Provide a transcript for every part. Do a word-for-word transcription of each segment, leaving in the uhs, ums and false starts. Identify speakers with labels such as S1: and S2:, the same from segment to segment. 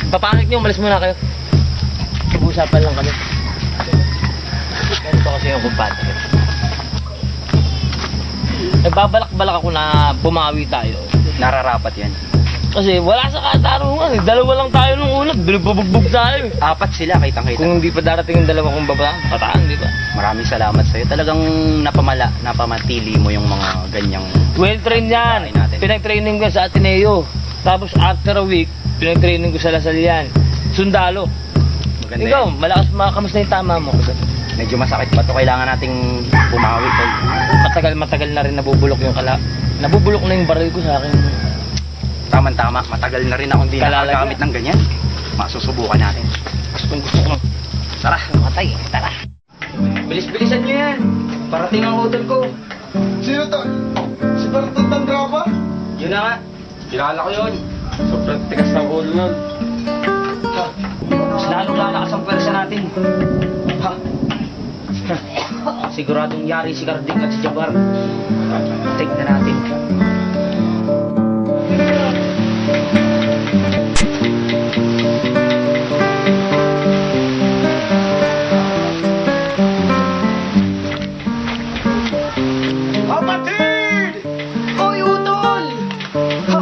S1: Papangit nyo, umalis muna kayo. Mag-uusapan lang kami. Ganito kasi yung kumpadre. Nagbabalak-balak ako na bumawi tayo.
S2: Nararapat yan.
S1: Kasi wala sa katarungan eh. Dalawa lang tayo nung una. Binububugbog tayo eh.
S2: Apat sila, kitang-kita.
S1: Kung hindi pa darating yung dalawa kong babae, pataan, di ba?
S2: Maraming salamat sa'yo. Talagang napamala, napamatili mo yung mga ganyang...
S1: Well-trained yan.
S2: natin.
S1: Pinag-training ko sa Ateneo. Tapos after a week, pinag-training ko sa Lasal yan. Sundalo.
S2: Maganda
S1: Ikaw,
S2: yan.
S1: malakas, makamas na yung tama mo.
S2: Medyo masakit pa to. Kailangan nating bumawi. Tol.
S1: Matagal, matagal na rin nabubulok yung kala. Nabubulok na yung baril ko sa akin.
S2: Tama-tama. Matagal na rin ako hindi
S1: Kalalagyan.
S2: nakagamit ng ganyan. Masusubukan natin.
S1: Gusto gusto ko.
S2: Tara.
S1: Matay, tara.
S2: Bilis-bilisan nyo yan. Parating ang hotel ko.
S3: Sino to? Si Bertot ng drama?
S2: Yun na nga. Kilala ko yun.
S1: Sobrang tigas ng ulo nun.
S2: Ha? Mas lalong lalakas ang pwersa natin. Ha? Siguradong yari si Carding at si Jabbar. Take na natin.
S3: Kapatid!
S2: Oy, utol! Ha?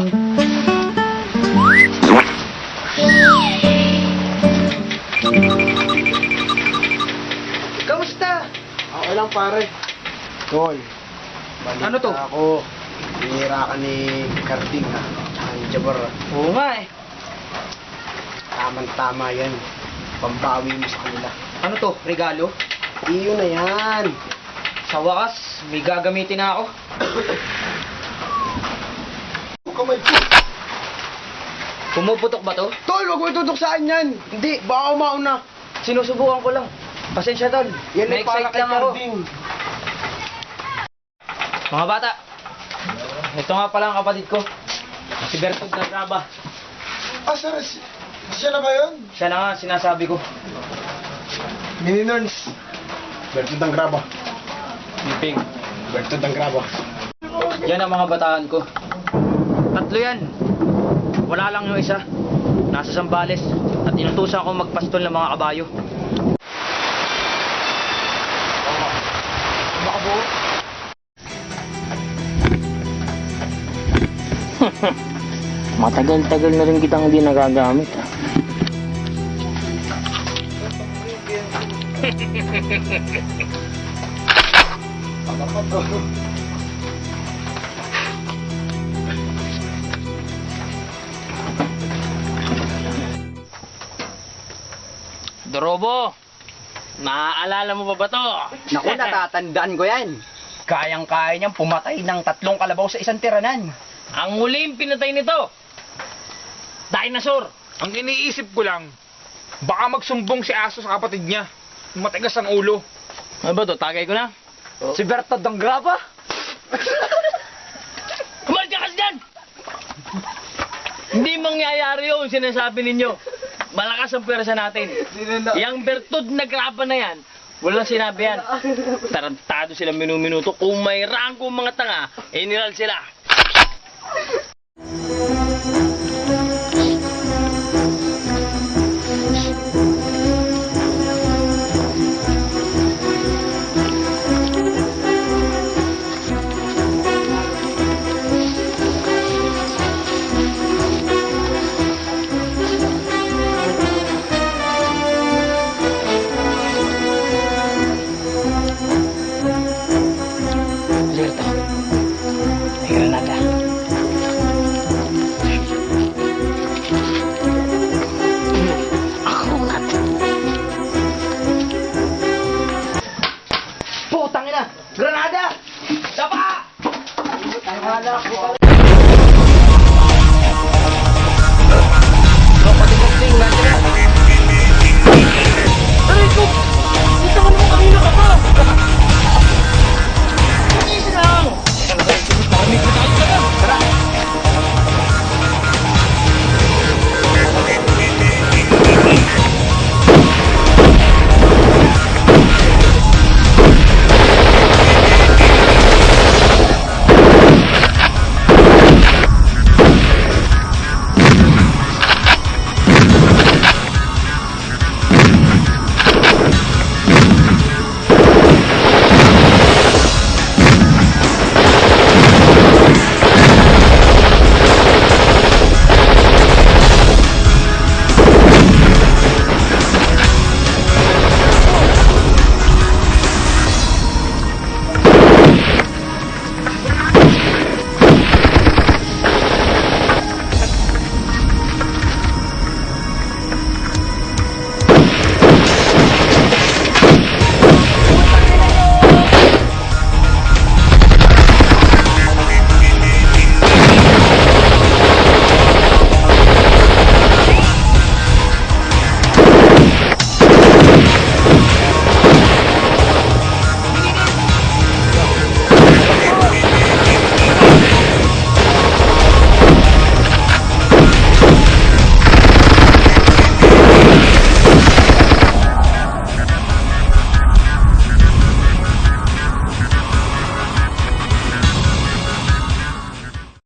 S2: Kamusta?
S3: Okay lang pare. Tol. Balita
S2: Ano to?
S3: Ako. Binira ka ni Carding ha. Ang Jabbar.
S2: Oo nga eh.
S3: Tamang-tama yan. Pambawi mo sa kanila.
S2: Ano to? Regalo?
S3: Iyo na yan.
S2: Sa wakas, may gagamitin na ako.
S3: Kamay po.
S2: Pumuputok ba to?
S3: Tol, wag mo itutok saan yan. Hindi, baka umauna.
S2: Sinusubukan ko lang. Pasensya tol.
S3: Yan ay para
S2: Na-excite
S3: kay
S2: lang ako.
S3: Carding.
S2: Mga bata, ito nga pala ang kapatid ko. Si Bertog na Graba.
S3: Ah, sir, si- siya na ba yun?
S2: Siya na nga sinasabi ko.
S3: Mini Nerds. Bertot ng Graba.
S2: Ping.
S3: Bertot ng Graba.
S2: Yan ang mga bataan ko. Tatlo yan. Wala lang yung isa. Nasa Sambales. At inutusan akong magpastol ng mga kabayo. Makabuo.
S1: Matagal-tagal na rin kitang hindi nagagamit. Ah. Dorobo, naaalala mo ba ba to?
S2: Naku, natatandaan ko yan. Kayang-kaya niyang pumatay ng tatlong kalabaw sa isang tiranan.
S1: Ang huling pinatay nito, dinosaur.
S4: Ang iniisip ko lang, baka magsumbong si Aso sa kapatid niya. Matigas ang ulo.
S1: Ano ba to? Tagay ko na.
S2: Si Bertod ng Graba?
S1: Kumalit ka kasi dyan! Hindi mangyayari yun, sinasabi ninyo. Malakas ang pwersa natin. Yang Bertod na graba na yan, walang sinabi yan. Tarantado sila minuminuto. Kung may rangko mga tanga, iniral sila. Lerto, may granada. Ako nga.
S2: Putang ina! Granada! Dapa! Wala ko pala.